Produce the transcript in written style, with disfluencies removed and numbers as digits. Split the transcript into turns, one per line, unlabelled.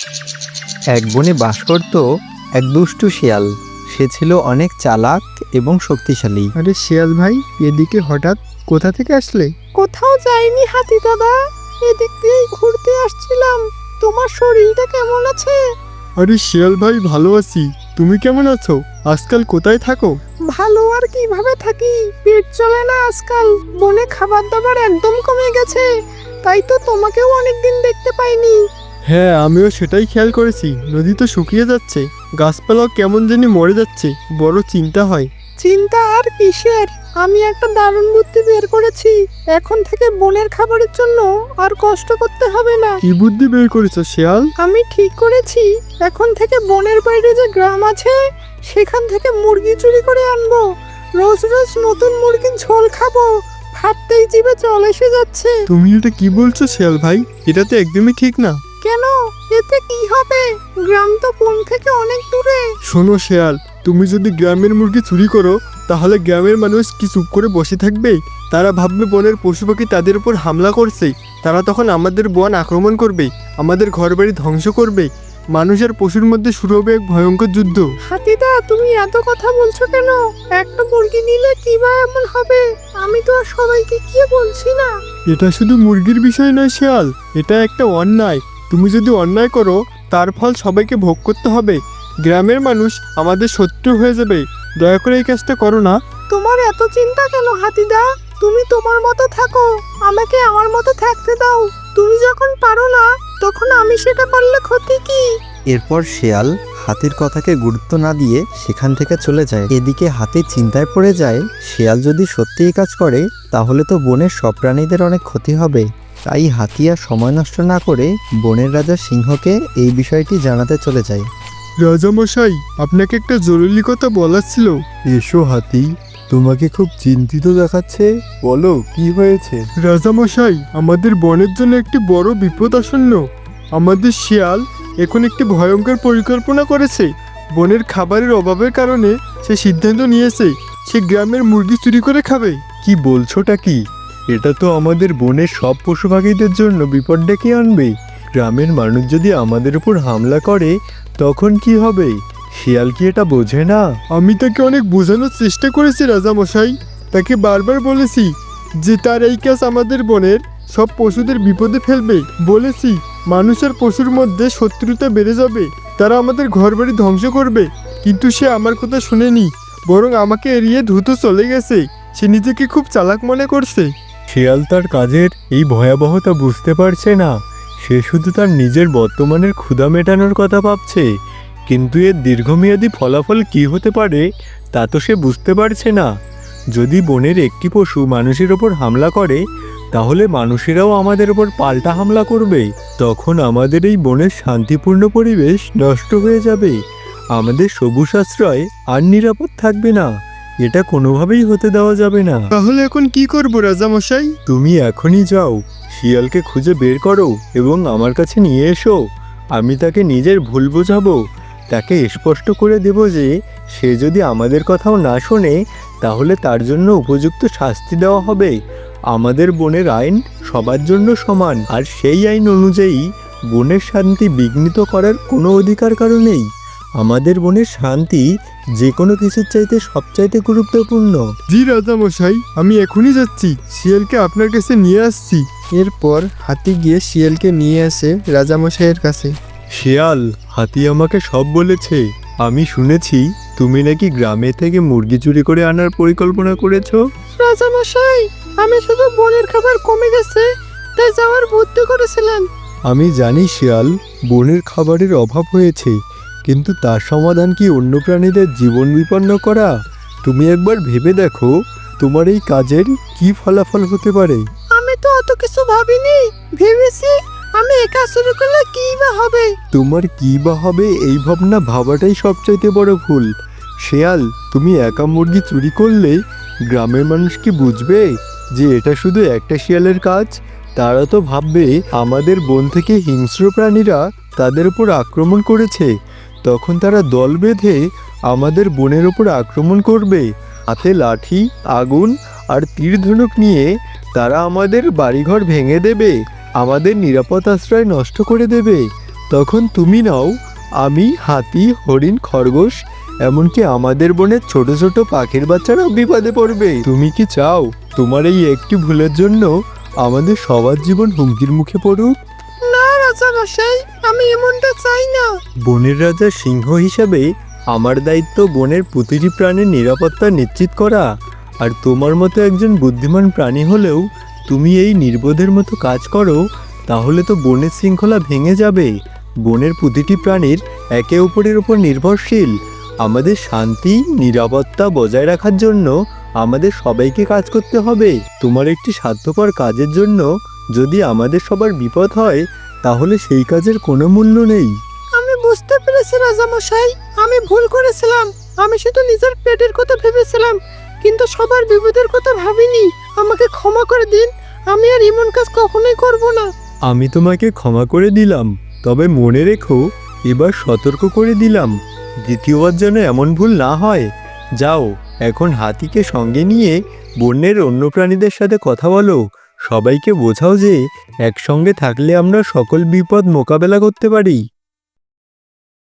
এক বনে বাস করত এক দুষ্টু শিয়াল। সে ছিল অনেক চালাক এবং শক্তিশালী।
আরে শিয়াল ভাই, এদিকে হঠাৎ কোথা থেকে আসলে?
কোথাও যাইনি হাতি দাদা, এদিক দিয়ে ঘুরতে আসছিলাম। তোমার শরীরটা কেমন আছে?
আরে শিয়াল ভাই, ভালো আছি। তুমি কেমন আছো? আজকাল কোথায় থাকো?
ভালো আর কিভাবে থাকি, পেট চলে না আজকাল। বনে খাবার দাবার একদম কমে গেছে, তাই তো তোমাকেও অনেকদিন দেখতে পাইনি।
হ্যাঁ, আমিও সেটাই খেয়াল করেছি। নদী তো শুকিয়ে যাচ্ছে, গাছপালাও কেমন জানি মরে যাচ্ছে। বড় চিন্তা হয়।
চিন্তা আর কিসের, আমি একটা দারুণ বুদ্ধি বের করেছি। এখন থেকে বনের খাবারের জন্য আর কষ্ট করতে হবে না।
কি বুদ্ধি বের করেছো শিয়াল?
আমি ঠিক করেছি, এখন থেকে বনের বাইরে যে গ্রাম আছে সেখান থেকে মুরগি চুরি করে আনবো। রোজ রোজ নতুন মুরগির ঝোল খাবো, ভাবতেই জিভে জল এসে যাচ্ছে।
তুমি এটা কি বলছো শিয়াল ভাই? এটা তো একদমই ঠিক না।
কেন, এতে কি হবে? গ্রাম তো বন থেকে অনেক দূরে।
শোনো শিয়াল, তুমি যদি গ্রামের মুরগি চুরি করো, তাহলে গ্রামের মানুষ কি চুপ করে বসে থাকবে? তারা ভাববে বনের পশু পাখি তাদের উপর হামলা করছে। তারা তখন আমাদের বন আক্রমণ করবে, আমাদের ঘরবাড়ি ধ্বংস করবে। মানুষ আর পশুর মধ্যে শুরু হবে এক ভয়ঙ্কর যুদ্ধ।
হাতিদা, তুমি এত কথা বলছো কেন? একটা মুরগি নিলে কি বা এমন হবে? আমি তো আর সবাইকে কি বলছি না।
এটা শুধু মুরগির বিষয় নয় শিয়াল, এটা একটা অন্যায়। তুমি যদি অন্যায় করো, তার ফল সবাইকে ভোগ করতে হবে। গ্রামের মানুষ আমাদের শত্রু হয়ে যাবে। দয়া করে এই কাজটা করো না।
তোমার এত চিন্তা কেন হাতিদা? তুমি তোমার মতো থাকো, আমাকে আমার মতো থাকতে দাও। তুমি যখন পারো না, তখন আমি সেটা পারলে ক্ষতি কি?
এরপর শিয়াল হাতির কথাকে গুরুত্ব না দিয়ে সেখান থেকে চলে যায়। এদিকে হাতি চিন্তায় পড়ে যায়, শিয়াল যদি সত্যিই কাজ করে তাহলে তো বনের সব প্রাণীদের অনেক ক্ষতি হবে। তাই হাতি আর সময় নষ্ট না করে বনের রাজা সিংহকে এই বিষয়টি জানাতে চলে যায়।
রাজামশাই, আপনাকে একটা জরুরি কথা বলার ছিল। এসো হাতি, তোমাকে খুব চিন্তিত দেখাচ্ছে। বলো, কি হয়েছে? রাজামশাই, আমাদের বনের জন্য একটি বড় বিপদ আসন্ন। আমাদের শিয়াল এখন একটি ভয়ঙ্কর পরিকল্পনা করেছে। বনের খাবারের অভাবের কারণে সে সিদ্ধান্ত নিয়েছে সে গ্রামের মুরগি চুরি করে খাবে। কি বলছোটা কি? এটা তো আমাদের বনের সব পশু পাখিদের জন্য বিপদ ডেকে আনবে। গ্রামের মানুষ যদি আমাদের উপর হামলা করে তখন কি হবে? শিয়াল কি এটা বোঝে না? আমি তাকে অনেক বোঝানোর চেষ্টা করেছি রাজামশাই। তাকে বারবার বলেছি যে তার এই কাজ আমাদের বনের সব পশুদের বিপদে ফেলবে। বলেছি মানুষ আর পশুর মধ্যে শত্রুতা বেড়ে যাবে, তারা আমাদের ঘরবাড়ি ধ্বংস করবে। কিন্তু সে আমার কথা শুনেনি, বরং আমাকে এড়িয়ে দ্রুত চলে গেছে। সে নিজেকে খুব চালাক মনে করছে। শিয়াল তার কাজের এই ভয়াবহতা বুঝতে পারছে না। সে শুধু তার নিজের বর্তমানের ক্ষুধা মেটানোর কথা ভাবছে, কিন্তু এর দীর্ঘমেয়াদী ফলাফল কি হতে পারে তা তো সে বুঝতে পারছে না। যদি বনের একটি পশু মানুষের ওপর হামলা করে, তাহলে মানুষেরাও আমাদের ওপর পাল্টা হামলা করবে। তখন আমাদের এই বনের শান্তিপূর্ণ পরিবেশ নষ্ট হয়ে যাবে। আমাদের সবুজ আশ্রয় আর নিরাপদ থাকবে না। এটা কোনোভাবেই হতে দেওয়া যাবে না। তাহলে এখন কি করব রাজামশাই? তুমি এখনই যাও, শিয়ালকে খুঁজে বের করো এবং আমার কাছে নিয়ে এসো। আমি তাকে নিজের ভুল বোঝাবো। তাকে স্পষ্ট করে দেব যে সে যদি আমাদের কথাও না শোনে, তাহলে তার জন্য উপযুক্ত শাস্তি দেওয়া হবে। আমাদের বনের আইন সবার জন্য সমান, আর সেই আইন অনুযায়ী বনের শান্তি বিঘ্নিত করার কোনো অধিকার কারো নেই। আমাদের বনের শান্তি যে কোনো কিছুর চাইতে সবচাইতে গুরুত্বপূর্ণ। জি রাজামশাই, আমি এখনই যাচ্ছি, শিয়ালকে আপনার কাছে নিয়ে আসছি। এরপর হাতি গিয়ে শিয়ালকে নিয়ে আসে রাজামশাইয়ের কাছে। শিয়াল, হাতি আমাকে সব বলেছে। আমি শুনেছি তুমি নাকি গ্রামে থেকে মুরগি চুরি করে আনার পরিকল্পনা করেছো।
রাজামশাই, আমি শুধু বনের খাবার কমে গেছে তাই যাওয়ার বুদ্ধি করেছিলেন।
আমি জানি শিয়াল, বনের খাবারের অভাব হয়েছে, কিন্তু তার সমাধান কি অন্য প্রাণীদের জীবন বিপন্ন করা? তুমি একবার ভেবে দেখো তোমার এই কাজের কি ফলাফল হতে পারে।
আমি তো অত কিছু ভাবিনি, ভেবেছি আমি একা শুরু করলে কি বা হবে।
তোমার কি বা হবে এই ভাবনা ভাবাটাই সবচাইতে বড় ভুল। শিয়াল, তুমি একা মুরগি চুরি করলে গ্রামের মানুষ কি বুঝবে যে এটা শুধু একটা শিয়ালের কাজ? তারা তো ভাববে আমাদের বন থেকে হিংস্র প্রাণীরা তাদের উপর আক্রমণ করেছে। তখন তারা দল বেঁধে আমাদের বনের উপর আক্রমণ করবে। হাতে লাঠি, আগুন আর তীর ধনুক নিয়ে তারা আমাদের বাড়িঘর ভেঙে দেবে, আমাদের নিরাপদ আশ্রয় নষ্ট করে দেবে। তখন তুমি নাও। আমি, হাতি, হরিণ, খরগোশ, এমনকি আমাদের বনের ছোট ছোট পাখির বাচ্চারাও বিপদে পড়বে। তুমি কি চাও তোমার এই একটি ভুলের জন্য আমাদের সবার জীবন হুমকির মুখে পড়ুক?
না রাজামশাই, আমি এমনটা চাই না।
বনের রাজা সিংহ হিসাবে আমার দায়িত্ব বনের প্রতিটি প্রাণীর নিরাপত্তা নিশ্চিত করা। আর তোমার মতো একজন বুদ্ধিমান প্রাণী হলেও তুমি এই নির্বোধের মতো কাজ করো, তাহলে তো বনের শৃঙ্খলা ভেঙে যাবে। বনের প্রতিটি প্রাণীর একে অপরের উপর নির্ভরশীল। আমাদের শান্তি নিরাপত্তা বজায় রাখার জন্য আমাদের সবাইকে কাজ করতে হবে। তোমার একটি স্বার্থপর কাজের জন্য যদি আমাদের সবার বিপদ হয়, তাহলে সেই কাজের কোনো মূল্য নেই।
আমি বুঝতে পেরেছি রাজামশাই, আমি ভুল করেছিলাম। আমি শুধু নিজের পেটের কথা ভেবেছিলাম, কিন্তু সবার বিপদের কথা ভাবিনি। আমাকে ক্ষমা করে দিন, আমি আর এমন কাজ কখনোই করব না।
আমি তোমাকে ক্ষমা করে দিলাম, তবে মনে রেখো, এবার সতর্ক করে দিলাম, দ্বিতীয়বার যেন এমন ভুল না হয়। যাও, এখন হাতিকে সঙ্গে নিয়ে বনের অন্য প্রাণীদের সাথে কথা বলো। সবাইকে বোঝাও যে একসঙ্গে থাকলে আমরা সকল বিপদ মোকাবেলা করতে পারি।